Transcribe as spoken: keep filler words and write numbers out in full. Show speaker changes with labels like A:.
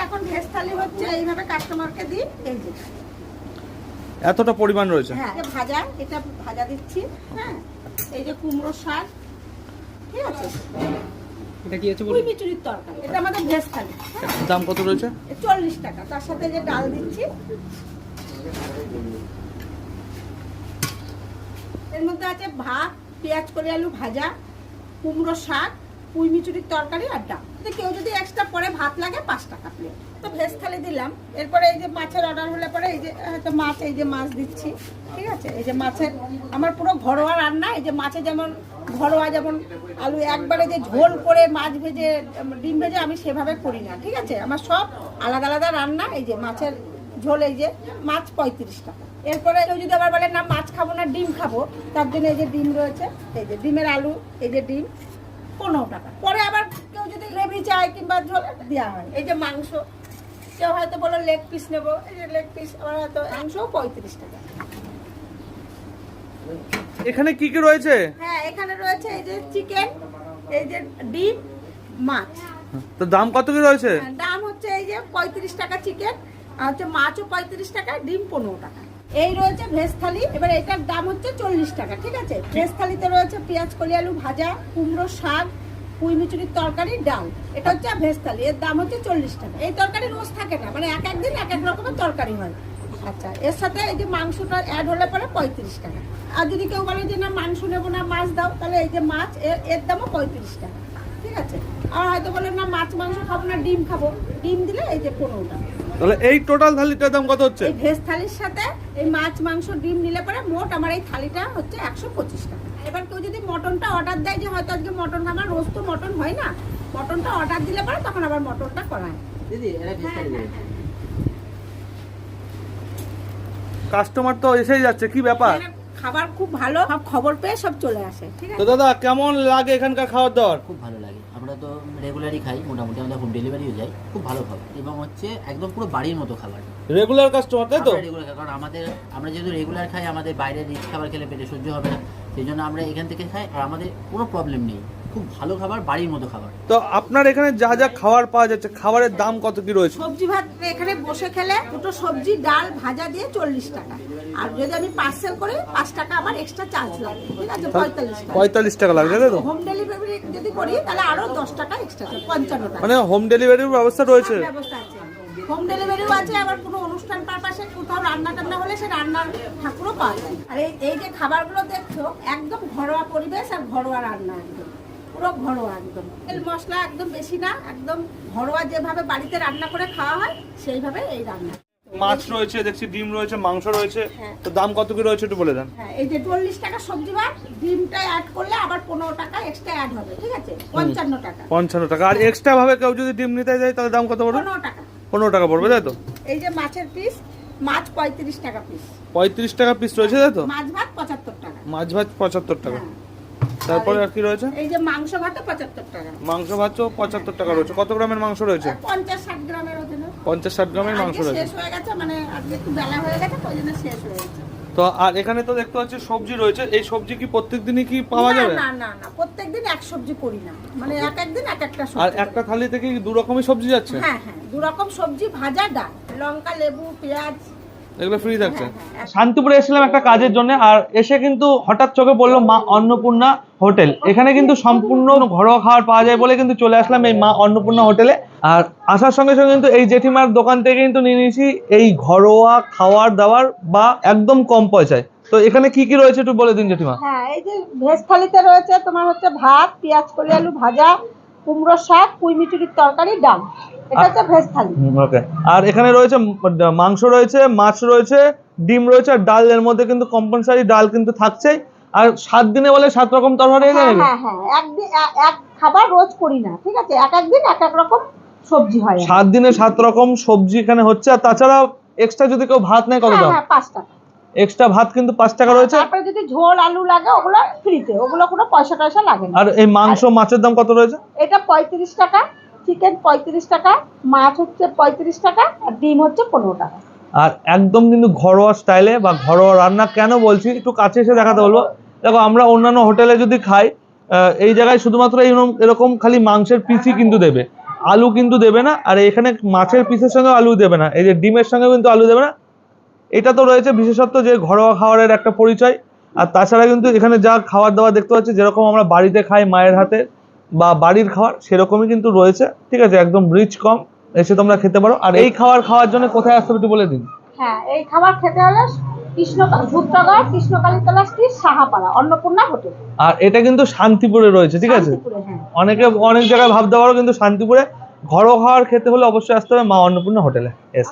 A: এখন ভেজ থালি হচ্ছে এইভাবে কাস্টমারকে দিই। এই যে
B: এতটা পরিমাণ রয়েছে।
A: হ্যাঁ ভাজা, এটা ভাজা দিচ্ছি। হ্যাঁ এই যে কুমড়ো শাক, ঠিক আছে,
C: এটা কি আছে
A: পুঁই মিচুরির তরকারি, এটা আমাদের ভেজ থালি।
B: দাম কত রয়েছে?
A: চল্লিশ টাকা। তার সাথে যে ডাল দিচ্ছি, এর মধ্যে আছে ভাত, পেঁয়াজ কলি আলু ভাজা, কুমড়ো শাক, পুঁই মিচুরির তরকারি আর ডাল। কেউ যদি এক্সট্রা পরে ভাত লাগে পাঁচ টাকা প্লেট। তো ভেজ থালি দিলাম। এরপরে এই যে মাছের অর্ডার হলে পরে এই যে হয়তো মাছ, এই যে মাছ দিচ্ছি, ঠিক আছে। এই যে মাছের আমার পুরো ঘরোয়া রান্না। এই যে মাছে যেমন ঘরোয়া, যেমন আলু একবারে যে ঝোল করে মাছ ভেজে ডিম ভেজে আমি সেভাবে করি না, ঠিক আছে। আমার সব আলাদা আলাদা রান্না। এই যে মাছের ঝোল, এই যে মাছ পঁয়ত্রিশ টাকা। এরপরে কেউ যদি আবার বলে না মাছ খাবো না ডিম খাবো, তার জন্য এই যে ডিম রয়েছে, এই যে ডিমের আলু, এই যে ডিম পনেরো টাকা। পরে আবার কেউ যদি গ্রেভি চায় কিংবা ঝোল দেওয়া হয়। এই যে মাংস, কেউ হয়তো বলো লেগ পিস নেবো, এই যে লেগ পিস আমার হয়তো মাংস পঁয়ত্রিশ টাকা।
B: এখানে কি কি রয়েছে?
A: হ্যাঁ এখানে রয়েছে এই যে চিকেন, এই যে ডিম, মাছ।
B: তো দাম কত কি রয়েছে?
A: দাম হচ্ছে এই যে পঁয়ত্রিশ টাকা চিকেন, আর হচ্ছে মাছও পঁয়ত্রিশ টাকা, ডিম পনেরো টাকা। এই রয়েছে ভেজ থালি। এবার এটার দাম হচ্ছে চল্লিশ টাকা, ঠিক আছে। ভেজ থালিতে রয়েছে পেঁয়াজ কলি আলু ভাজা, কুমড়ো শাক, পুঁই মিচুরির তরকারি, ডাল। এটা হচ্ছে ভেজ থালি, এর দাম হচ্ছে চল্লিশ টাকা। এই তরকারি রোজ থাকে না, মানে এক একদিন এক এক রকমের তরকারি হয়। আচ্ছা, এর সাথে এই যে মাংসটা অ্যাড হলে পরে পঁয়ত্রিশ টাকা। আর যদি কেউ বলে যে না মাংস নেবো না মাছ দাও, তাহলে এই যে মাছ, এর দামও পঁয়ত্রিশ টাকা, ঠিক আছে। আর হয়তো বলে না মাছ মাংস খাবো না ডিম খাবো, ডিম দিলে এই যে পনেরো টাকা।
B: তাহলে এই টোটাল থালিটার দাম কত হচ্ছে?
A: এই ভেজ থালির সাথে এই মাছ মাংস ডিম নিলে পরে মোট আমার এই থালিটা হচ্ছে একশো পঁচিশ টাকা। এবার কেউ যদি মটনটা অর্ডার দেয়, যে হয়তো আজকে মটন আমার রোজ তো মটন হয় না, মটনটা অর্ডার দিলে পরে তখন আবার মটনটা করায়।
C: দিদি এটা ভেজ থালি দেবে।
B: কাস্টমার তো এসেই যাচ্ছে, কি ব্যাপার?
A: খাবার খুব ভালো, সব খবর পেয়ে সব চলে আসে, ঠিক
B: তো
A: আছে।
B: দাদা কেমন লাগে এখানকার খাওয়ার দাওয়ার?
C: খুব ভালো লাগে। আমরা তো রেগুলারই খাই, মোটামুটি আমাদের হোম ডেলিভারিও যায়, খুব ভালো খাবার এবং হচ্ছে একদম পুরো বাড়ির মতো খাবার।
B: রেগুলার কাস্টমার তাই তো?
C: রেগুলার, কারণ আমাদের আমরা যেহেতু রেগুলার খাই, আমাদের বাইরের রিচ খাবার খেলে পেটে সহ্য হবে না, সেই জন্য আমরা এখান থেকে খাই। আর আমাদের কোনো প্রবলেম নেই, খুব ভালো খাবার, বাড়ির মতো খাবার।
B: তো আপনার এখানে যা যা খাবার পাওয়া যাচ্ছে, খাবারের দাম কত কি রয়েছে?
A: সবজি ভাত এখানে বসে খেলে দুটো সবজি ডাল ভাজা দিয়ে চল্লিশ টাকা। আর যদি আমি পার্সেল করি পাঁচ টাকা আমার এক্সট্রা চার্জ লাগে, ঠিক আছে, পঁয়তাল্লিশ টাকা।
B: পঁয়তাল্লিশ টাকা লাগবে তাই তো?
A: হোম ডেলিভারি যদি করি তাহলে আরো দশ টাকা এক্সট্রা, পঞ্চান্ন টাকা।
B: মানে হোম ডেলিভারির ব্যবস্থা রয়েছে?
A: ব্যবস্থা আছে, হোম ডেলিভারিও আছে। আবার কোনো অনুষ্ঠান পারপাসে কোথাও রান্না টান্না হলে সে রান্নার ঠাকুরও পাওয়া যায়। আর এই এই যে খাবারগুলো দেখছো একদম ঘরোয়া পরিবেশ আর ঘরোয়া রান্না, একদম পুরো ঘরোয়া, একদম তেল মশলা একদম বেশি না, একদম ঘরোয়া যেভাবে বাড়িতে রান্না করে খাওয়া হয় সেইভাবে এই রান্না।
B: মাছ রয়েছে দেখছি, ডিম রয়েছে, মাংস রয়েছে।
A: হ্যাঁ।
B: তো দাম কত কি রয়েছে একটু বলে দেন।
A: হ্যাঁ এই যে চল্লিশ টাকা সবজি ভাত, ডিমটা অ্যাড করলে আবার পনেরো টাকা এক্সট্রা অ্যাড হবে, ঠিক আছে, পঞ্চান্ন টাকা।
B: পঞ্চান্ন টাকা। আর এক্সট্রা ভাবে কেউ যদি ডিম নিতে যায় তাহলে দাম কত পড়বে?
A: পনেরো টাকা।
B: পনেরো টাকা পড়বে তাই তো?
A: এই যে মাছের পিস, মাছ পঁয়ত্রিশ টাকা পিস।
B: পঁয়ত্রিশ টাকা পিস রয়েছে তাই তো?
A: মাছ ভাত পঁচাত্তর টাকা।
B: মাছ ভাত পঁচাত্তর টাকা।
A: হ্যাঁ।
B: তারপরে আর কি রয়েছে?
A: এই যে মাংস ভাতও পঁচাত্তর টাকা।
B: মাংস ভাতও পঁচাত্তর টাকা রয়েছে। কত গ্রামের মাংস রয়েছে?
A: পঞ্চাশ ষাট গ্রামের ওজনে।
B: পঞ্চাশ ষাট গ্রামের মাংস
A: আজকে
B: রয়েছে।
A: শেষ হয়ে গেছে, মানে আজকে একটু বেলা হয়ে গেছে, ওই জন্য শেষ হয়ে গেছে।
B: তো আর এখানে তো দেখতে পাচ্ছি সবজি রয়েছে, এই সবজি কি প্রত্যেক দিনই কি পাওয়া
A: না,
B: যাবে?
A: না না না প্রত্যেকদিন এক সবজি করি না, মানে এক একদিন এক একটা
B: আর
A: সবজি।
B: একটা থালি থেকে কি দু রকমের সবজি যাচ্ছে?
A: হ্যাঁ হ্যাঁ দু রকম সবজি, ভাজা, ডাল, লঙ্কা, লেবু, পেঁয়াজ,
B: এগুলো ফ্রি থাকছে।
A: হ্যাঁ, হ্যাঁ।
B: শান্তিপুরে এসেছিলাম একটা কাজের জন্য, আর এসে কিন্তু হঠাৎ চোখে পড়লো মা অন্নপূর্ণা হোটেল। এখানে কিন্তু সম্পূর্ণ ঘরোয়া খাবার পাওয়া যায় বলে কিন্তু চলে আসলাম এই মা অন্নপূর্ণা হোটেলে। আর আসার সঙ্গে সঙ্গে কিন্তু এই জেঠিমার দোকান থেকে কিন্তু নিয়ে নিয়েছি এই ঘরোয়া খাবার দাবার বা একদম কম পয়সায়। তো এখানে কি কি রয়েছে একটু বলে দিন জেঠিমা।
A: হ্যাঁ এই যে ভেজ থালিতে রয়েছে তোমার হচ্ছে ভাত, পেঁয়াজ কলি আলু ভাজা, কুমড়ো শাক, পুঁই মিচুরির তরকারি, ডাল। এটা হচ্ছে ভেজ থালি।
B: ওকে। আর এখানে রয়েছে মাংস রয়েছে, মাছ রয়েছে, ডিম রয়েছে, আর ডাল। এর মধ্যে কিন্তু কম্পালসারি ডাল কিন্তু থাকছেই। আর সাত দিনে বলে সাত রকম তরকারি।
A: হ্যাঁ হ্যাঁ হ্যাঁ একদিন এক খাবার রোজ করি না, ঠিক আছে, এক একদিন এক এক রকম সবজি হয়।
B: সাত দিনে সাত রকম সবজি এখানে হচ্ছে। আর তাছাড়া এক্সট্রা যদি কেউ ভাত নেয় কত দাম?
A: হ্যাঁ পাঁচ টাকা
B: এক্সট্রা ভাত কিন্তু পাঁচ টাকা রয়েছে।
A: তারপরে যদি ঝোল আলু লাগে ওগুলো ফ্রিতে, ওগুলো কোনো পয়সা টয়সা লাগে না।
B: আর এই মাংস মাছের দাম কত রয়েছে?
A: এটা পঁয়ত্রিশ টাকা, চিকেন পঁয়ত্রিশ টাকা, মাছ হচ্ছে পঁয়ত্রিশ টাকা, আর ডিম হচ্ছে পনেরো টাকা।
B: আর একদম কিন্তু ঘরোয়া স্টাইলে বা ঘরোয়া রান্না। কেন বলছি, একটু কাছে এসে দেখাতে বলবো। দেখো আমরা অন্যান্য হোটেলে যদি খাই, এই জায়গায় শুধুমাত্র এরকম খালি মাংসের পিসই কিন্তু দেবে। আলু কিন্তু দেবে না, আর এখানে মাছের পিসের সঙ্গে আলু দেবে না, এই যে ডিমের সঙ্গে কিন্তু আলু দেবে না। এটা তো রয়েছে বিশেষত্ব যে ঘরোয়া খাবারের একটা পরিচয়। আর তাছাড়া কিন্তু এখানে যা খাবার দাবার দেখতে পাচ্ছি, যেরকম আমরা বাড়িতে খাই মায়ের হাতে বা বাড়ির খাবার, সেরকমই কিন্তু রয়েছে। ঠিক আছে, একদম রিচ কম, এসে তোমরা খেতে পারো। আর এই খাবার খাওয়ার জন্য কোথায় আসতে হবে একটু বলে দিন।
A: হ্যাঁ, এই খাবার খেতে হলে কৃষ্ণ ধূপনগর কৃষ্ণকালী তলা স্ট্রিট সাহাপাড়া অন্নপূর্ণা হোটেল।
B: আর এটা কিন্তু শান্তিপুরে রয়েছে, ঠিক আছে।
A: শান্তিপুরে, হ্যাঁ।
B: অনেকে অনেক জায়গায় ভাবতে পারো, কিন্তু শান্তিপুরে ঘরোয়া খাবার খেতে হলে অবশ্যই আসতে হবে মা অন্নপূর্ণা হোটেলে।